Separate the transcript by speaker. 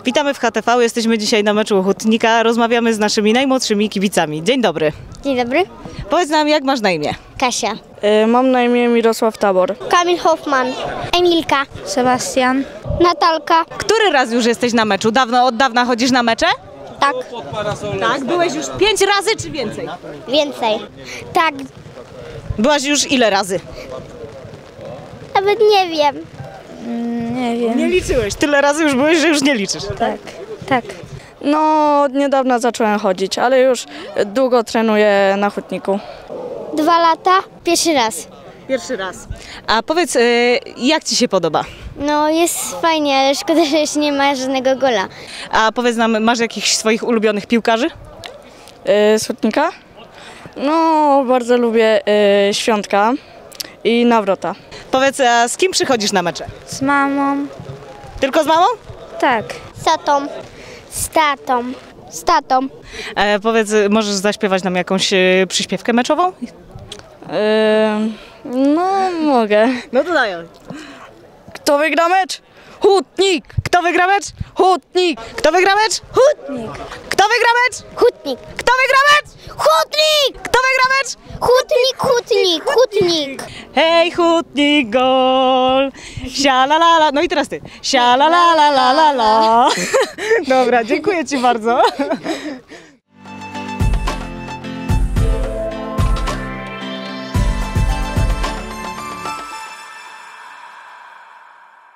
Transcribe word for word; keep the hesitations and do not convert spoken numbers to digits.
Speaker 1: Witamy w H T V, jesteśmy dzisiaj na meczu Hutnika, rozmawiamy z naszymi najmłodszymi kibicami. Dzień dobry.
Speaker 2: Dzień dobry.
Speaker 1: Powiedz nam, jak masz na imię?
Speaker 2: Kasia.
Speaker 3: Y, mam na imię Mirosław Tabor.
Speaker 2: Kamil Hoffman. Emilka. Sebastian. Natalka.
Speaker 1: Który raz już jesteś na meczu? Dawno, od dawna chodzisz na mecze?
Speaker 2: Tak.
Speaker 1: Tak, byłeś już pięć razy czy więcej?
Speaker 2: Więcej. Tak.
Speaker 1: Byłaś już ile razy?
Speaker 2: Nawet nie wiem.
Speaker 3: Nie wiem.
Speaker 1: Nie liczyłeś, tyle razy już byłeś, że już nie liczysz.
Speaker 3: Tak, tak. No, od niedawna zacząłem chodzić, ale już długo trenuję na hutniku.
Speaker 2: Dwa lata. Pierwszy raz.
Speaker 1: Pierwszy raz. A powiedz, y, jak ci się podoba?
Speaker 2: No jest fajnie, ale szkoda, że jeszcze nie ma żadnego gola.
Speaker 1: A powiedz nam, masz jakichś swoich ulubionych piłkarzy?
Speaker 3: Y, z hutnika? No, bardzo lubię y, Świątka i Nawrota.
Speaker 1: Powiedz, a z kim przychodzisz na mecze?
Speaker 3: Z mamą?
Speaker 1: Tylko z mamą?
Speaker 3: Tak.
Speaker 2: Z tatą. Z tatą. Z tatą.
Speaker 1: E, powiedz, możesz zaśpiewać nam jakąś e, przyśpiewkę meczową?
Speaker 3: Y, no, mogę.
Speaker 1: No to daję.
Speaker 3: Kto wygra mecz? Hutnik!
Speaker 1: Kto wygra mecz?
Speaker 3: Hutnik!
Speaker 1: Kto wygra mecz?
Speaker 3: Hutnik!
Speaker 1: Kto wygra mecz?
Speaker 2: Hutnik.
Speaker 1: Kto wygra mecz?
Speaker 2: Hutnik!
Speaker 1: Kto wygra mecz?
Speaker 2: Hutnik, hutnik, hutnik.
Speaker 1: Hej, Hutnik, gol! Sialalala. No i teraz ty. Sialalala. Dobra, dziękuję ci bardzo.